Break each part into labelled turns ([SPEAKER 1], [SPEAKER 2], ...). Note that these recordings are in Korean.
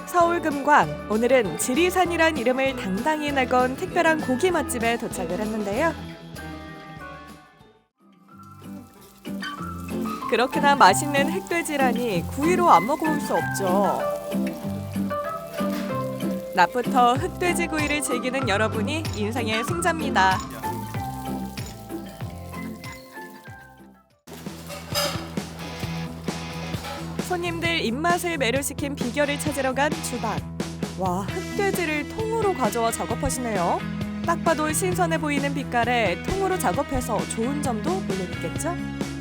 [SPEAKER 1] 서울 금광, 오늘은 지리산이란 이름을 당당히 내건 특별한 고기 맛집에 도착을 했는데요. 그렇게나 맛있는 흑돼지라니 구이로 안 먹어볼 수 없죠. 낮부터 흑돼지 구이를 즐기는 여러분이 인생의 승자입니다. 손님들 입맛을 매료시킨 비결을 찾으러 간 주방. 와, 흑돼지를 통으로 가져와 작업하시네요. 딱 봐도 신선해 보이는 빛깔에 통으로 작업해서 좋은 점도 물론 있겠죠?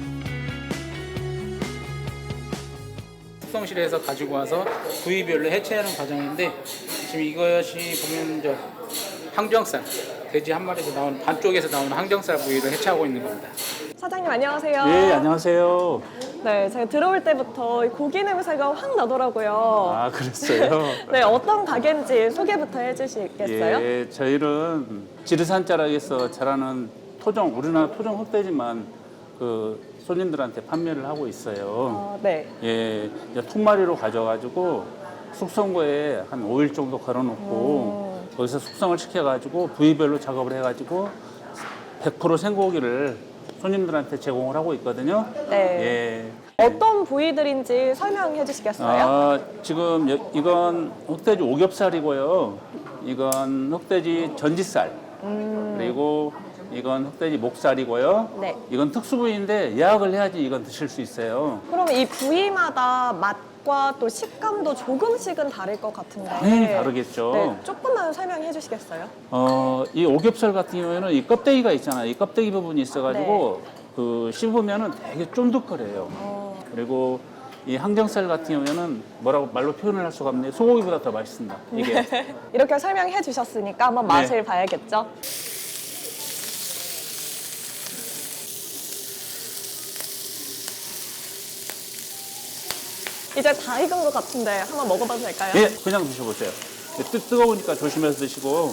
[SPEAKER 2] 숙성실에서 가지고 와서 부위별로 해체하는 과정인데 지금 이것이 보면 저 항정살, 돼지 한 마리에서 나오는 반쪽에서 나오는 항정살 부위를 해체하고 있는 겁니다.
[SPEAKER 1] 사장님 안녕하세요.
[SPEAKER 3] 예, 안녕하세요.
[SPEAKER 1] 네, 제가 들어올 때부터 고기 냄새가 확 나더라고요.
[SPEAKER 3] 아, 그랬어요?
[SPEAKER 1] 네, 어떤 가게인지 소개부터 해주시겠어요?
[SPEAKER 3] 예, 저희는 지리산 자락에서 자라는 토종, 우리나라 토종 흑돼지만 그 손님들한테 판매를 하고 있어요.
[SPEAKER 1] 네.
[SPEAKER 3] 예, 이제 통마리로 가져가지고 숙성고에 한 5일 정도 걸어놓고 거기서 숙성을 시켜가지고 부위별로 작업을 해가지고 100% 생고기를 손님들한테 제공을 하고 있거든요.
[SPEAKER 1] 네.
[SPEAKER 3] 예.
[SPEAKER 1] 어떤 부위들인지 설명해 주시겠어요?
[SPEAKER 3] 아, 지금 이건 흑돼지 오겹살이고요. 이건 흑돼지 전지살. 그리고 이건 흑돼지 목살이고요.
[SPEAKER 1] 네.
[SPEAKER 3] 이건 특수부위인데 예약을 해야지 이건 드실 수 있어요.
[SPEAKER 1] 그럼 이 부위마다 맛과 또 식감도 조금씩은 다를 것 같은데.
[SPEAKER 3] 당연히 다르겠죠.
[SPEAKER 1] 네, 조금만 설명해 주시겠어요?
[SPEAKER 3] 이 오겹살 같은 경우에는 이 껍데기가 있잖아요. 이 껍데기 부분이 있어가지고 그 씹으면은 되게 쫀득거려요. 그리고 이 항정살 같은 경우에는 뭐라고 말로 표현을 할 수가 없네요. 소고기보다 더 맛있습니다. 이게.
[SPEAKER 1] 이렇게 설명해 주셨으니까 한번
[SPEAKER 3] 네.
[SPEAKER 1] 맛을 봐야겠죠? 이제 다 익은 것 같은데 한번 먹어봐도 될까요?
[SPEAKER 3] 예, 그냥 드셔보세요. 뜨거우니까 조심해서 드시고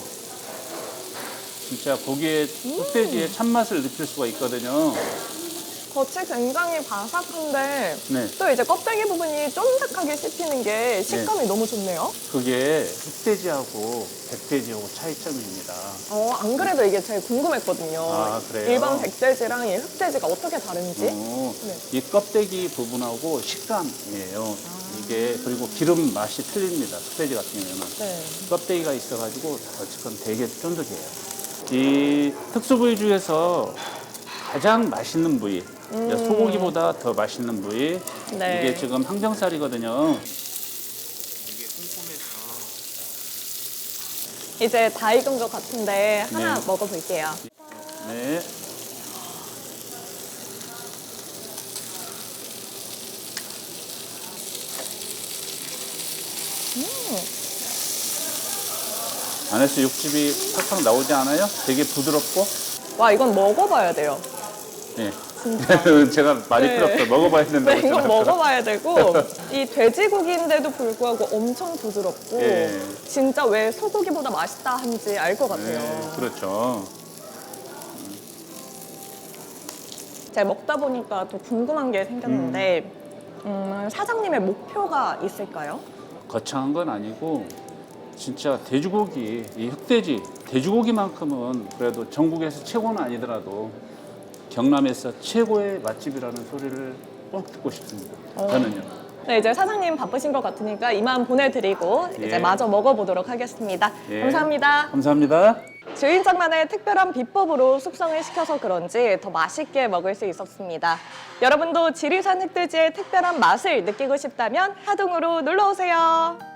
[SPEAKER 3] 진짜 고기의 흑돼지의 참맛을 느낄 수가 있거든요.
[SPEAKER 1] 겉이 굉장히 바삭한데
[SPEAKER 3] 네.
[SPEAKER 1] 또 이제 껍데기 부분이 쫀득하게 씹히는 게 식감이 너무 좋네요.
[SPEAKER 3] 그게 흑돼지하고 백돼지하고 차이점입니다.
[SPEAKER 1] 안 그래도 이게 제일 궁금했거든요.
[SPEAKER 3] 아, 그래요?
[SPEAKER 1] 일반 백돼지랑 이 흑돼지가 어떻게 다른지. 네.
[SPEAKER 3] 이 껍데기 부분하고 식감이에요. 이게 그리고 기름 맛이 틀립니다. 흑돼지 같은 경우에는.
[SPEAKER 1] 네.
[SPEAKER 3] 껍데기가 있어가지고 어쨌건 되게 쫀득해요. 이 특수부위 중에서 가장 맛있는 부위, 소고기보다 더 맛있는 부위.
[SPEAKER 1] 네.
[SPEAKER 3] 이게 지금 항정살이거든요.
[SPEAKER 1] 이제 다 익은 것 같은데 하나
[SPEAKER 3] 네.
[SPEAKER 1] 먹어볼게요.
[SPEAKER 3] 네. 안에서 육즙이 팍팍 나오지 않아요? 되게 부드럽고.
[SPEAKER 1] 와, 이건 먹어봐야 돼요.
[SPEAKER 3] 네. 제가 말이 필요 없어요. 먹어봐야 된다고
[SPEAKER 1] 네, 이건
[SPEAKER 3] 했잖아요.
[SPEAKER 1] 먹어봐야 되고 이 돼지고기인데도 불구하고 엄청 부드럽고
[SPEAKER 3] 예.
[SPEAKER 1] 진짜 왜 소고기보다 맛있다 한지 알 것 같아요.
[SPEAKER 3] 네, 그렇죠.
[SPEAKER 1] 제가 먹다 보니까 또 궁금한 게 생겼는데 사장님의 목표가 있을까요?
[SPEAKER 3] 거창한 건 아니고 진짜 돼지고기, 이 흑돼지, 돼지고기만큼은 그래도 전국에서 최고는 아니더라도 경남에서 최고의 맛집이라는 소리를 꼭 듣고 싶습니다. 저는요.
[SPEAKER 1] 네, 이제 사장님 바쁘신 것 같으니까 이만 보내드리고 이제
[SPEAKER 3] 예.
[SPEAKER 1] 마저 먹어보도록 하겠습니다.
[SPEAKER 3] 예.
[SPEAKER 1] 감사합니다.
[SPEAKER 3] 감사합니다.
[SPEAKER 1] 주인장만의 특별한 비법으로 숙성을 시켜서 그런지 더 맛있게 먹을 수 있었습니다. 여러분도 지리산 흑돼지의 특별한 맛을 느끼고 싶다면 하동으로 놀러 오세요.